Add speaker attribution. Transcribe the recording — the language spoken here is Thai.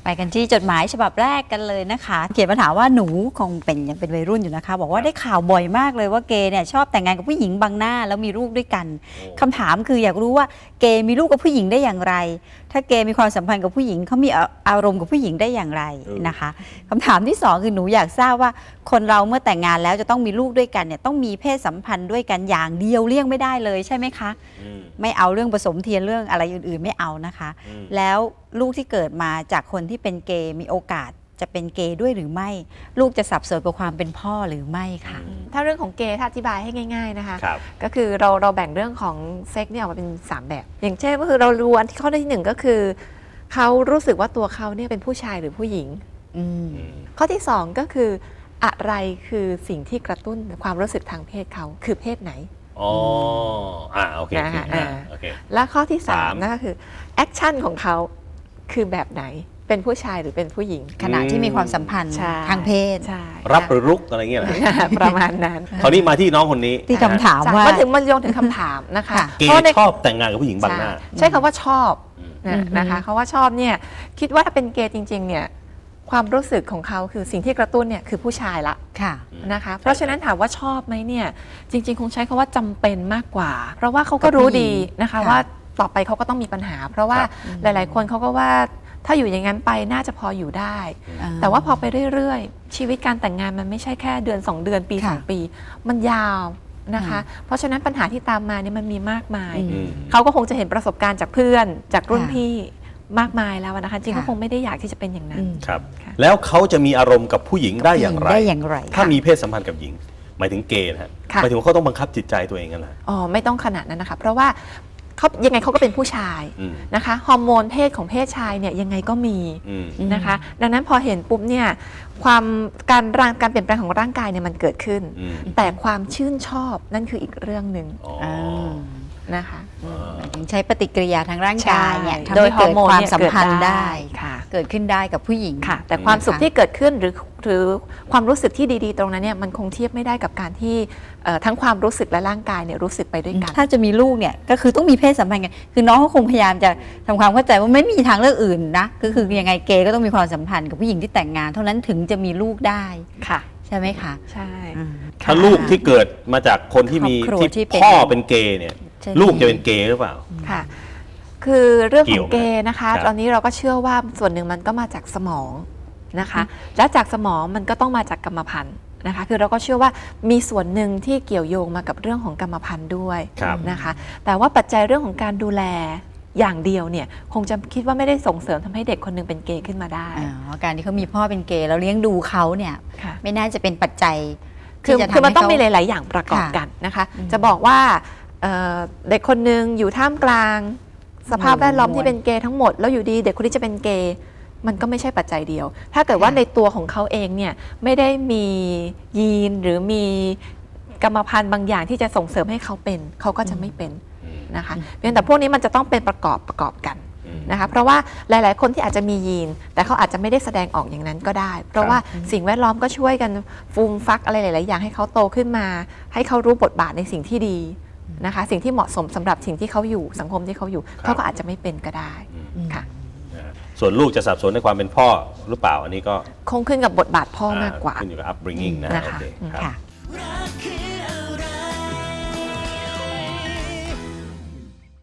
Speaker 1: ไปกันที่จดหมายฉบับแรกกันเลยนะคะเขียนมาถามว่าหนูคงยังเป็นวัยรุ่นอยู่นะคะบอกว่าได้ข่าวบ่อยมากเลยว่าเกย์เนี่ยชอบแต่งงานกับผู้หญิงบางหน้าแล้วมีลูกด้วยกันคำถามคืออยากรู้ว่าเกย์มีลูกกับผู้หญิงได้อย่างไรถ้าเกย์มีความสัมพันธ์กับผู้หญิงเขามีอารมณ์กับผู้หญิงได้อย่างไรนะคะคำถามที่2คือหนูอยากทราบว่าคนเราเมื่อแต่งงานแล้วจะต้องมีลูกด้วยกันเนี่ยต้องมีเพศสัมพันธ์ด้วยกันอย่างเดียวเลี่ยงไม่ได้เลยใช่ไหมคะไม่เอาเรื่องผสมเทียนเรื่องอะไรอื่นๆไม่เอานะคะแล้วลูกที่เกิดมาจากคนที่เป็นเกย์มีโอกาสจะเป็นเกย์ด้วยหรือไม่ลูกจะสับสนกับความเป็นพ่อหรือไม่ค่ะ
Speaker 2: ถ้าเรื่องของเกย์ถ้าอธิบายให้ง่ายๆนะคะก็คือเราแบ่งเรื่องของเซ็กเนี่ยออกมาเป็น3แบบอย่างเช่นก็คือเรารู้อันที่ข้อที่1ก็คือเขารู้สึกว่าตัวเขาเนี่ยเป็นผู้ชายหรือผู้หญิงข้อที่2ก็คืออะไรคือสิ่งที่กระตุ้นความรู้สึกทางเพศเขาคือเพศไหน
Speaker 3: อ๋อโอเคโอเค
Speaker 2: และข้อที่3นั่นก็คือแอคชั่นของเขาคือแบบไหนเป็นผู้ชายหรือเป็นผู้หญิง
Speaker 1: ขณะที่มีความสัมพันธ์ทางเพศ
Speaker 3: รับหรือรุกอะไรเงี้ยเหรอ
Speaker 2: ประมาณนั้น
Speaker 3: คราวนี้มาที่น้องคนนี้
Speaker 1: ที่คำถามว่า
Speaker 2: มันโยงถึงคำถามนะคะ
Speaker 3: เกย์ชอบแต่งงานกับผู้หญิงบางหน้า
Speaker 2: ใช้คำว่าชอบนะคะเขาว่าชอบเนี่ยคิดว่าถ้าเป็นเกย์จริงๆเนี่ยความรู้สึกของเขาคือสิ่งที่กระตุ้นเนี่ยคือผู้ชายละนะคะเพราะฉะนั้นถามว่าชอบไหมเนี่ยจริงๆคงใช้คำว่าจำเป็นมากกว่าเพราะว่าเขาก็รู้ดีนะคะว่าต่อไปเขาก็ต้องมีปัญหาเพราะว่าหลายๆคนเขาก็ว่าถ้าอยู่อย่างนั้นไปน่าจะพออยู่ได้แต่ว่าพอไปเรื่อยๆชีวิตการแต่งงานมันไม่ใช่แค่เดือน2เดือนปี2ปีมันยาวนะคะเพราะฉะนั้นปัญหาที่ตามมาเนี่ยมันมีมากมายเขาก็คงจะเห็นประสบการณ์จากเพื่อนจากรุ่นพี่มากมายแล้วนะคะจริงเขาคงไม่ได้อยากที่จะเป็นอย่างนั้น
Speaker 3: ครับแล้วเขาจะมีอารมณ์กับผู้หญิงได้อย่างไรถ้ามีเพศสัมพันธ์กับหญิงหมายถึงเกย์นะฮะหมายถึงเขาต้องบังคับจิตใจตัวเองกันนะ
Speaker 2: อ๋อไม่ต้องขนาดนั้นนะคะเพราะว่าเขายังไงเขาก็เป็นผู้ชายนะคะฮอร์โมนเพศของเพศชายเนี่ยยังไงก็มีนะคะดังนั้นพอเห็นปุ๊บเนี่ยการเปลี่ยนแปลงของร่างกายเนี่ยมันเกิดขึ้นแต่ความชื่นชอบนั่นคืออีกเรื่องหนึ่งนะคะ
Speaker 1: ใช้ปฏิกิริยาทางร่างกายเนี่ยทำให้เกิดความสัมพันธ์ได้เกิดขึ้นได้กับผู้หญิง
Speaker 2: ค่ะแต่ความสุขที่เกิดขึ้นหรือความรู้สึกที่ดีๆตรงนั้นเนี่ยมันคงเทียบไม่ได้กับการที่ทั้งความรู้สึกและร่างกายเนี่ยรู้สึกไปด้วยกัน
Speaker 1: ถ้าจะมีลูกเนี่ยก็คือต้องมีเพศสัมพันธ์กันคือน้องเขาคงพยายามจะทำความเข้าใจว่าไม่มีทางเลือกอื่นนะคือยังไงเกย์ก็ต้องมีความสัมพันธ์กับผู้หญิงที่แต่งงานเท่านั้นถึงจะมีลูกได้
Speaker 2: ค่ะ
Speaker 1: ใช่ไหมคะ
Speaker 2: ใช่
Speaker 3: ถ้าลูกที่เกิดมาจากคนที่มีที่พ่อเป็นเกย์เนี่ยลูกจะเป็นเกย์หรือเปล่า
Speaker 2: ค่ะคือเรื่องของเกย์นะคะตอนนี้เราก็เชื่อว่าส่วนหนึ่งมันก็มาจากสมองนะคะและจากสมองมันก็ต้องมาจากกรรมพันธุ์นะคะคือเราก็เชื่อว่ามีส่วนหนึ่งที่เกี่ยวโยงมากับเรื่องของกรรมพันธุ์ด้วยนะคะแต่ว่าปัจจัยเรื่องของการดูแลอย่างเดียวเนี่ยคงจะคิดว่าไม่ได้ส่งเสริมทำให้เด็กคนนึงเป็นเกย์ขึ้นมาได้
Speaker 1: การที่เขามีพ่อเป็นเกย์แล้วเลี้ยงดูเขาเนี่ยไม่น่าจะเป็นปัจจัย
Speaker 2: คือมันต้องมีหลายๆอย่างประกอบกันนะคะจะบอกว่าเด็กคนนึงอยู่ท่ามกลางสภาพแวดล้อมที่เป็นเกย์ทั้งหมดแล้วอยู่ดีเด็กคนนี้จะเป็นเกย์มันก็ไม่ใช่ปัจจัยเดียวถ้าเกิดว่าในตัวของเขาเองเนี่ยไม่ได้มียีนหรือมีกรรมพันธุ์บางอย่างที่จะส่งเสริมให้เขาเป็นเขาก็จะไม่เป็นนะคะเพียงแต่พวกนี้มันจะต้องเป็นประกอบกันนะคะเพราะว่าหลายๆคนที่อาจจะมียีนแต่เขาอาจจะไม่ได้แสดงออกอย่างนั้นก็ได้เพราะว่าสิ่งแวดล้อมก็ช่วยกันฟูมฟักอะไรหลายๆอย่างให้เขาโตขึ้นมาให้เขารู้บทบาทในสิ่งที่ดีนะคะสิ่งที่เหมาะสมสำหรับสิ่งที่เขาอยู่สังคมที่เขาอยู่เขาก็อาจจะไม่เป็นก็ได้ค่ะ
Speaker 3: ส่วนลูกจะสับสนในความเป็นพ่อหรือเปล่าอันนี้ก็
Speaker 2: คงขึ้นกับบทบาทพ่อมากกว่า
Speaker 3: ขึ้นอยู่กับ upbringing นะคะ